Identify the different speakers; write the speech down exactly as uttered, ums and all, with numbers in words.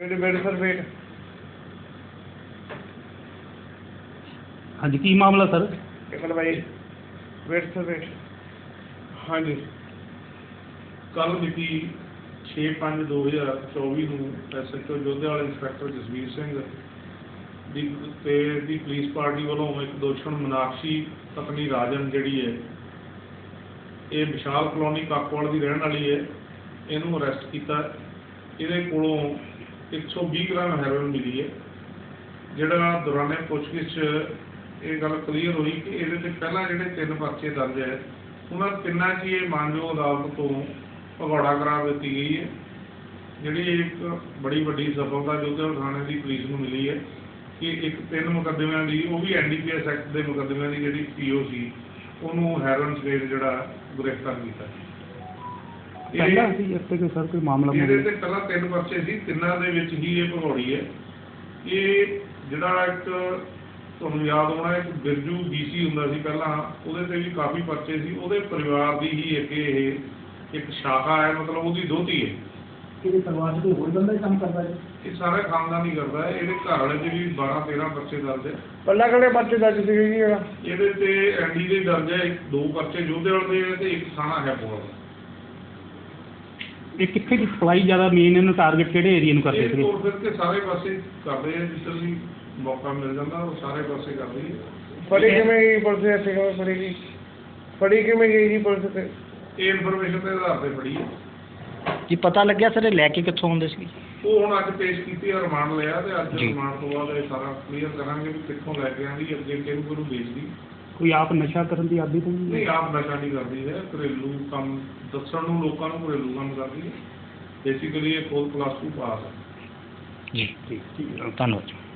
Speaker 1: Wait sir wait.
Speaker 2: हाँ जी की मामला सर?
Speaker 1: एक मिनट भाई वेट सर वेट। हाँ जी
Speaker 3: कल मिति छे पाँच दो हज़ार चौबी ਨੂੰ S H O Jodhewal inspector Jasvir Singh ਦੀ ਤੇ ਦੀ ਪੁਲਿਸ ਪਾਰਟੀ ਵੱਲੋਂ ਇੱਕ ਦੋਸ਼ਣ ਮਨਾਕਸ਼ੀ ਪਤਨੀ ਰਾਜਨ ਜਿਹੜੀ ਹੈ ਇਹ ਵਿਸ਼ਾਲ ਕਲੋਨੀ ਕਾਕੋਵਾਲ ਦੀ ਰਹਿਣ ਵਾਲੀ ਹੈ, ਇਹਨੂੰ ਅਰੈਸਟ ਕੀਤਾ। ਇਹਦੇ ਕੋਲੋਂ एक सौ बीस ਗ੍ਰਾਮ ਹੈਰੋਇਨ ਮਿਲੀ ਹੈ, ਜਿਹੜਾ ਦੌਰਾਨੇ ਪੁੱਛਗਿੱਛ ਇਹ ਗੱਲ ਕਲੀਅਰ ਹੋਈ ਕਿ ਇਹਦੇ ਤੇ ਪਹਿਲਾਂ ਜਿਹੜੇ ਤਿੰਨ ਪਰਚੇ ਦਰਜ ਹੈ ਉਹਨਾਂ ਤਿੰਨਾਂ 'ਚ ਇਹ ਮਾਨਯੋਗ ਅਦਾਲਤ ਤੋਂ ਭਗੌੜਾ ਕਰਾਰ ਦਿੱਤੀ ਗਈ ਹੈ, ਜਿਹੜੀ ਇੱਕ ਬੜੀ ਵੱਡੀ ਸਫਲਤਾ ਜੋਧੇਵਾਲ ਥਾਣੇ ਦੀ ਪੁਲਿਸ ਨੂੰ ਮਿਲੀ ਹੈ ਕਿ ਇੱਕ ਤਿੰਨ ਮੁਕੱਦਮਿਆਂ ਦੀ ਉਹ ਵੀ N D P S act ਦੇ ਮੁਕੱਦਮਿਆਂ ਦੀ ਜਿਹੜੀ ਪੀ ਓ ਸੀ ਉਹਨੂੰ ਹੈਰੋਇਨ ਸਮੇਤ ਜਿਹੜਾ ਗ੍ਰਿਫਤਾਰ ਕੀਤਾ।
Speaker 2: ਪਹਿਲਾਂ ਸੀ ਇਸ 'ਤੇ ਕੋਈ ਸਰ ਕੋਈ ਮਾਮਲਾ?
Speaker 3: ਇਹਦੇ ਤੇ ਪਹਿਲਾਂ ਤਿੰਨ ਪਰਚੇ ਸੀ, ਤਿੰਨਾਂ ਦੇ ਵਿੱਚ ਹੀ ਇਹ ਭਗੌੜੀ ਹੈ। ਇਹ ਜਿਹੜਾ ਇੱਕ ਤੁਹਾਨੂੰ ਯਾਦ ਹੋਣਾ ਇੱਕ ਬਿਰਜੂ ਬੀ ਸੀ ਹੁੰਦਾ ਸੀ ਪਹਿਲਾਂ, ਉਹਦੇ ਤੇ ਵੀ ਕਾਫੀ ਪਰਚੇ ਸੀ, ਉਹਦੇ ਪਰਿਵਾਰ ਦੀ ਹੀ ਅੱਗੇ ਇਹ ਇੱਕ ਸ਼ਾਖਾ ਹੈ, ਮਤਲਬ ਉਹਦੀ ਦੋਹਤੀ ਹੈ।
Speaker 2: ਇਹਦੇ ਪਰਿਵਾਰ 'ਚ ਕੋਈ ਹੋਰ ਬੰਦਾ ਹੀ ਕੰਮ ਕਰਦਾ ਹੈ?
Speaker 3: ਇਹ ਸਾਰਾ ਖਾਨਦਾਨ ਹੀ ਕਰਦਾ ਹੈ। ਇਹਦੇ ਘਰ ਵਾਲੇ 'ਚ ਵੀ ਬਾਰਾਂ ਤੇਰਾਂ ਪਰਚੇ ਦਰਜ ਹੈ।
Speaker 1: पल्ला कड़े पर्चे दर्ज थे जी?
Speaker 3: ਇਹਦੇ ਤੇ ਐਨ ਡੀ ਦੇ ਦਰਜ ਹੈ, ਇੱਕ ਦੋ ਪਰਚੇ ਜੋਧੇਵਾਲ ਦੇ ਤੇ ਇੱਕ ਥਾਣਾ ਹੈ ਪੋਲ।
Speaker 2: ਇਹ ਕਿੱਥੇ ਦੀ ਸਪਲਾਈ ਜ਼ਿਆਦਾ ਮੇਨ ਇਹਨੂੰ ਟਾਰਗੇਟ ਕਿਹੜੇ ਏਰੀਆ ਨੂੰ ਕਰਦੇ
Speaker 3: ਇਹ
Speaker 2: ਸੀਗੇ?
Speaker 3: ਤੋੜ ਫਿਰ ਕੇ ਸਾਰੇ ਪਾਸੇ ਕਰਦੇ ਆ, ਜਿੱਧਰ ਵੀ ਮੌਕਾ ਮਿਲ ਜਾਂਦਾ ਉਹ ਸਾਰੇ ਪਾਸੇ ਕਰਦੇ ਆ।
Speaker 1: फड़ी कि मैं गई पुलिस ऐसे कि फड़ेगी फड़ी कि मैं गई जी पुलिस से?
Speaker 3: ਇਹ ਇਨਫੋਰਮੇਸ਼ਨ ਦੇ ਆਧਾਰ ਤੇ ਫੜੀ ਹੈ
Speaker 4: ਜੀ ਪਤਾ ਲੱਗਿਆ ਸਰ ਇਹ ਲੈ ਕੇ ਕਿੱਥੋਂ ਆਉਂਦੇ ਸੀ?
Speaker 3: ਉਹ ਹੁਣ ਅੱਜ ਪੇਸ਼ ਕੀਤੀ ਹੈ, ਰਿਮਾਂਡ ਲਿਆ ਤੇ ਅੱਜ
Speaker 4: ਜੀ।
Speaker 3: ਰਿਮਾਂਡ ਤੋਂ ਬਾਅਦ ਇਹ ਸਾਰਾ ਕਲੀਅਰ ਕਰਾਂਗੇ ਵੀ ਕਿੱਥੋਂ ਲੈ ਕੇ ਆਂਦੀ ਅੱਗੇ ਕਿਹਨੂੰ ਕਿਹਨੂੰ ਵੇਚਦੀ।
Speaker 2: ਕੋਈ ਆਪ ਨਸ਼ਾ ਕਰਨ ਦੀ ਆਦੀ ਤਾਂ ਨਹੀਂ?
Speaker 3: ਨਹੀਂ ਆਪ ਨਸ਼ਾ ਨਹੀਂ ਕਰਦੀ ਹੈ, ਘਰੇਲੂ ਕੰਮ ਦੱਸਣ ਨੂੰ ਲੋਕਾਂ ਨੂੰ ਘਰੇਲੂ ਕੰਮ ਕਰਦੀ ਹੈ। ਬੇਸਿਕਲੀ ਇਹ ਖੁਦ ਪਲੱਸ ਟੂ ਪਾਸ ਹੈ।
Speaker 4: ਜੀ
Speaker 2: ਠੀਕ ਠੀਕ
Speaker 4: ਧੰਨਵਾਦ।